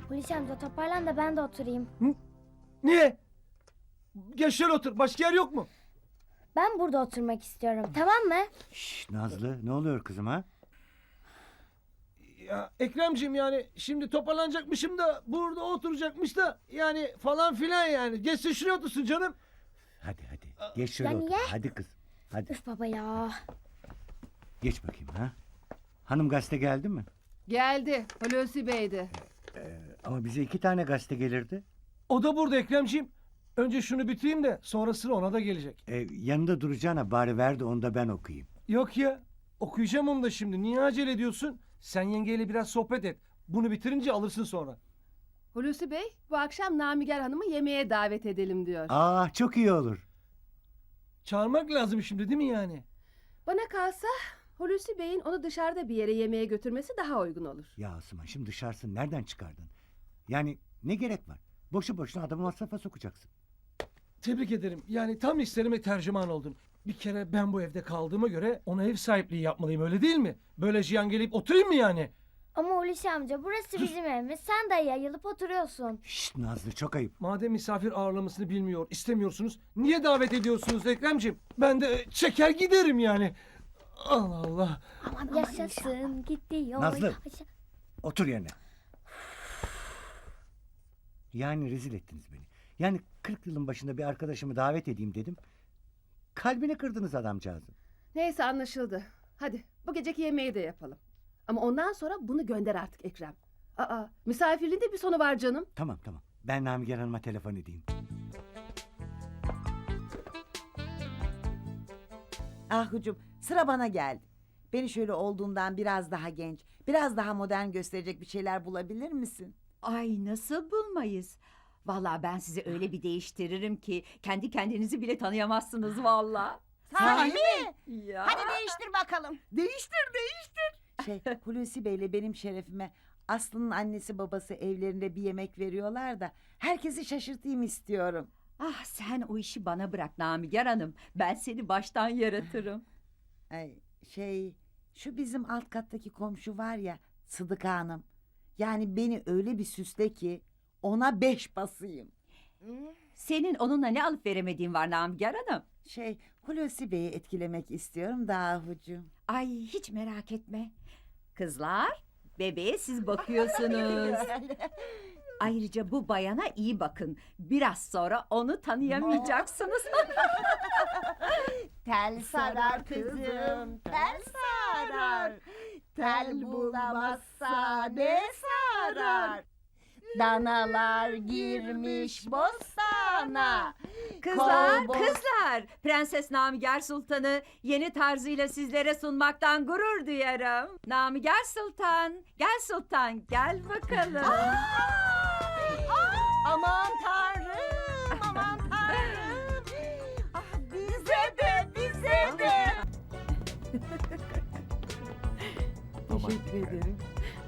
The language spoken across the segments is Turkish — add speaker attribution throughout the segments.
Speaker 1: Hulusi amca toparlan da ben de oturayım.
Speaker 2: Niye? Gel şöyle otur. Başka yer yok mu?
Speaker 1: Ben burada oturmak istiyorum, tamam mı?
Speaker 3: Şşş Nazlı, ne oluyor kızım ha?
Speaker 2: Ya Ekremciğim, yani şimdi toparlanacakmışım da burada oturacakmış da yani falan filan yani. Geçsin şuraya otursun canım.
Speaker 3: Hadi geç şöyle
Speaker 1: Ya
Speaker 3: otur.
Speaker 1: niye?
Speaker 3: Hadi kız. Hadi
Speaker 1: Üf baba ya.
Speaker 3: geç bakayım ha. Hanım gazete geldi mi?
Speaker 4: Geldi. Hulusi Bey'di.
Speaker 3: Ama bize 2 tane gazete gelirdi.
Speaker 2: O da burada Ekremciğim. Önce şunu bitireyim de sonrasını ona da gelecek.
Speaker 3: Yanında duracağına bari ver de onu da ben okuyayım.
Speaker 2: Yok ya, okuyacağım onu da şimdi. Niye acele ediyorsun? Sen yengeyle biraz sohbet et. Bunu bitirince alırsın sonra.
Speaker 4: Hulusi Bey bu akşam Namiger Hanım'ı yemeğe davet edelim diyor.
Speaker 3: Aa çok iyi olur.
Speaker 2: Çağırmak lazım şimdi değil mi yani?
Speaker 4: Bana kalsa Hulusi Bey'in onu dışarıda bir yere yemeğe götürmesi daha uygun olur.
Speaker 3: Ya Asuman şimdi dışarısını nereden çıkardın? Yani ne gerek var? Boşu boşuna adamı masrafa sokacaksın.
Speaker 2: Tebrik ederim. Yani tam isterime tercüman oldun. Bir kere ben bu evde kaldığıma göre ona ev sahipliği yapmalıyım, öyle değil mi? Böyle jiyan gelip oturayım mı yani?
Speaker 1: Ama Hulusi amca burası bizim evimiz. Sen de yayılıp oturuyorsun.
Speaker 3: Şşt Nazlı çok ayıp.
Speaker 2: Madem misafir ağırlamasını bilmiyor, istemiyorsunuz, niye davet ediyorsunuz Ekremciğim? Ben de çeker giderim yani. Allah Allah.
Speaker 1: Aman yaşasın gidiyor.
Speaker 3: Nazlı. Otur yerine. Yani rezil ettiniz beni. Yani 40 yılın başında bir arkadaşımı davet edeyim dedim. Kalbini kırdınız adamcağızın.
Speaker 4: Neyse anlaşıldı. Hadi bu geceki yemeği de yapalım. Ama ondan sonra bunu gönder artık Ekrem. Aa, misafirliğin de bir sonu var canım.
Speaker 3: Tamam. Ben Namiger Hanım'a telefon edeyim.
Speaker 5: Ahucum sıra bana geldi. Beni şöyle olduğundan biraz daha genç, biraz daha modern gösterecek bir şeyler bulabilir misin?
Speaker 6: Ay nasıl bulmayız? Vallahi ben sizi öyle bir değiştiririm ki kendi kendinizi bile tanıyamazsınız vallahi.
Speaker 5: Sahi mi?
Speaker 6: Ya.
Speaker 5: değiştir bakalım. Değiştir. Hulusi Bey'le benim şerefime Aslı'nın annesi babası evlerinde bir yemek veriyorlar da herkesi şaşırtayım istiyorum.
Speaker 6: Ah sen o işi bana bırak Namiger Hanım. Ben seni baştan yaratırım.
Speaker 5: Ay, şu bizim alt kattaki komşu var ya, Sıdıka Hanım. Yani beni öyle bir süsle ki ona 5 basayım.
Speaker 6: Senin onunla ne alıp veremediğin var Namiger Hanım.
Speaker 5: Hulusi Bey'i etkilemek istiyorum da Ahucuğum.
Speaker 6: Ay hiç merak etme. Kızlar bebeğe siz bakıyorsunuz. Ayrıca bu bayana iyi bakın. Biraz sonra onu tanıyamayacaksınız.
Speaker 5: Tel sarar kızım, tel sarar. Tel bulamazsa ne sarar? Danalar girmiş bostana.
Speaker 6: Kızlar, kızlar. Prenses Namiger Sultan'ı yeni tarzıyla sizlere sunmaktan gurur duyarım. Namiger Sultan, gel Sultan, gel bakalım.
Speaker 5: Aman tanrım, aman tanrım. Ah, bize de. Teşekkür ederim.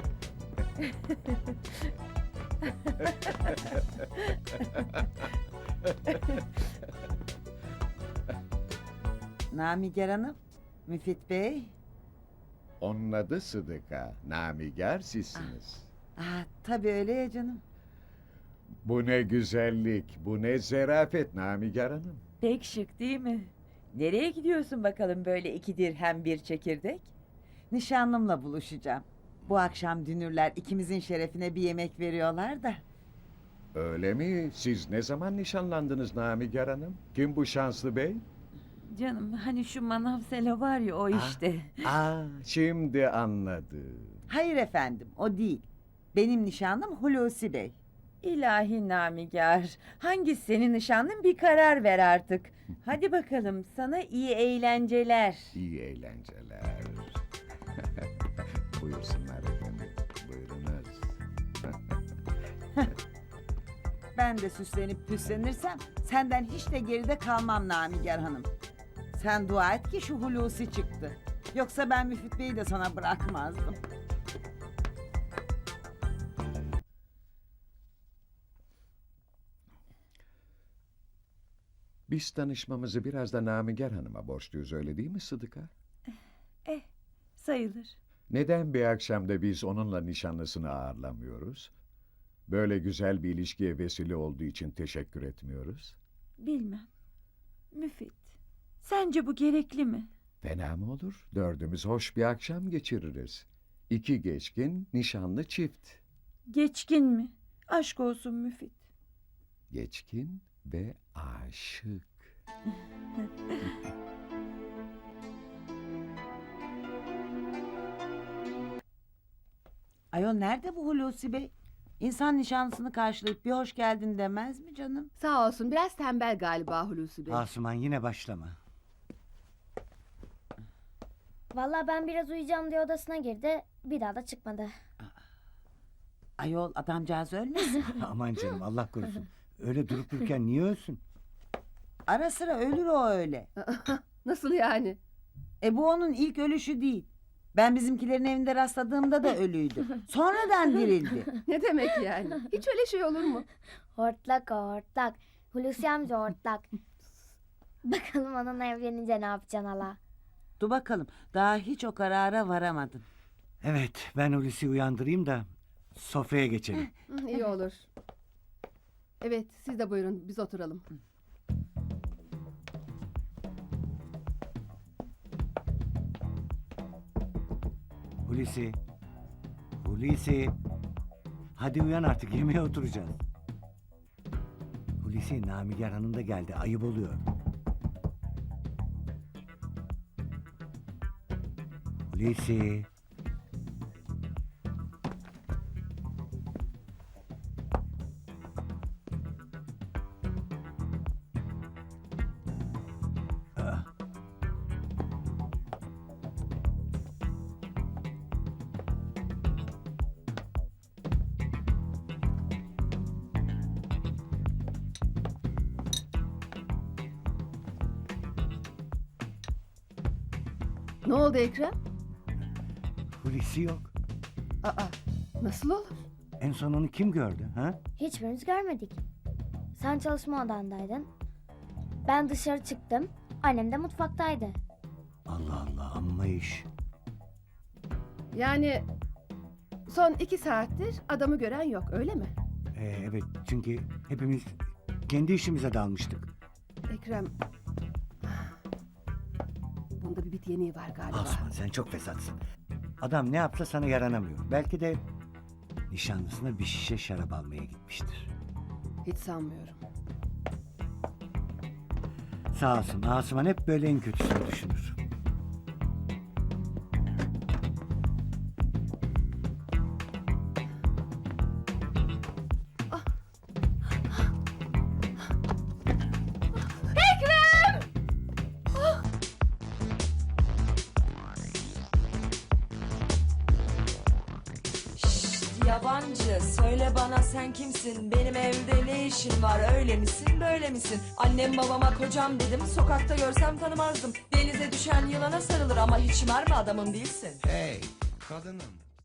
Speaker 5: Namiger Hanım, Müfit Bey.
Speaker 7: Onun adı Sıdıka, Namiger sizsiniz.
Speaker 5: Tabii öyle ya canım.
Speaker 7: Bu ne güzellik, bu ne zarafet Namiger Hanım.
Speaker 8: Pek şık değil mi? Nereye gidiyorsun bakalım böyle 2 dirhem bir çekirdek?
Speaker 5: Nişanlımla buluşacağım. Bu akşam dünürler ikimizin şerefine bir yemek veriyorlar da.
Speaker 7: Öyle mi? Siz ne zaman nişanlandınız Namiger Hanım? Kim bu şanslı bey?
Speaker 8: Canım hani şu manav selo var ya o işte.
Speaker 7: Şimdi anladım.
Speaker 5: Hayır efendim, o değil. Benim nişanlım Hulusi Bey.
Speaker 8: İlahi Namigar. Hangisi senin nişanlın bir karar ver artık. Hadi bakalım sana iyi eğlenceler.
Speaker 7: İyi eğlenceler. Buyursunlar efendim, buyurunuz.
Speaker 5: Ben de süslenip püslenirsem senden hiç de geride kalmam Namiger Hanım. Sen dua et ki şu Hulusi çıktı. Yoksa ben Müfit Bey'i de sana bırakmazdım.
Speaker 7: Biz tanışmamızı biraz da Namiger Hanım'a borçluyuz, öyle değil mi Sıdıka?
Speaker 8: Sayılır.
Speaker 7: Neden bir akşamda biz onunla nişanlısını ağırlamıyoruz? Böyle güzel bir ilişkiye vesile olduğu için teşekkür etmiyoruz.
Speaker 8: Bilmem. Müfit. Sence bu gerekli mi?
Speaker 7: Fena mı olur? Dördümüz hoş bir akşam geçiririz. 2 geçkin, nişanlı çift.
Speaker 8: Geçkin mi? Aşk olsun Müfit.
Speaker 7: Geçkin ve aşık.
Speaker 5: Ayol nerede bu Hulusi Bey? İnsan nişanlısını karşılayıp bir hoş geldin demez mi canım?
Speaker 4: Sağ olsun biraz tembel galiba Hulusi Bey.
Speaker 3: Asuman yine başlama.
Speaker 1: Vallahi ben biraz uyuyacağım diye odasına girdi. Bir daha da çıkmadı.
Speaker 5: Ayol adamcağız ölmesin.
Speaker 3: Aman canım Allah korusun. Öyle durup dururken niye ölsün?
Speaker 5: Ara sıra ölür o öyle.
Speaker 4: Nasıl yani?
Speaker 5: Bu onun ilk ölüşü değil. Ben bizimkilerin evinde rastladığımda da ölüydü. Sonradan dirildi.
Speaker 4: Ne demek yani? Hiç öyle şey olur mu?
Speaker 1: Hortlak o hortlak. Hulusi amca hortlak. Bakalım onunla evlenince ne yapacaksın hala?
Speaker 5: Dur bakalım daha hiç o karara varamadın.
Speaker 3: Evet ben Hulusi'yi uyandırayım da sofraya geçelim.
Speaker 4: İyi olur. Evet siz de buyurun biz oturalım.
Speaker 3: Hulusi. Hulusi. Hadi uyan artık yemeğe oturacağız. Hulusi Namiger Hanım da geldi ayıp oluyor. Hulusi. Ah.
Speaker 4: Ne oldu Ekrem?
Speaker 3: Hulusi yok.
Speaker 4: Aa, nasıl olur?
Speaker 3: En son onu kim gördü? Ha?
Speaker 1: Hiçbirimiz görmedik. Sen çalışma odandaydın. Ben dışarı çıktım. Annem de mutfaktaydı.
Speaker 3: Allah Allah amma iş.
Speaker 4: Yani son 2 saattir adamı gören yok öyle mi?
Speaker 3: Evet çünkü hepimiz kendi işimize dalmıştık.
Speaker 4: Ekrem... Bunda bir bit yeniği var galiba.
Speaker 3: Asuman sen çok fesatsın. Adam ne yapsa sana yaranamıyor. Belki de nişanlısına bir şişe şarap almaya gitmiştir.
Speaker 4: Hiç sanmıyorum.
Speaker 3: Sağ olsun Asuman hep böyle en kötüsünü düşünür.
Speaker 9: Yabancı söyle bana sen kimsin, benim evde ne işin var, öyle misin böyle misin? Annem babama kocam dedim, sokakta görsem tanımazdım. Denize düşen yılana sarılır ama hiç mermi adamım değilsin.
Speaker 10: Hey kadınım,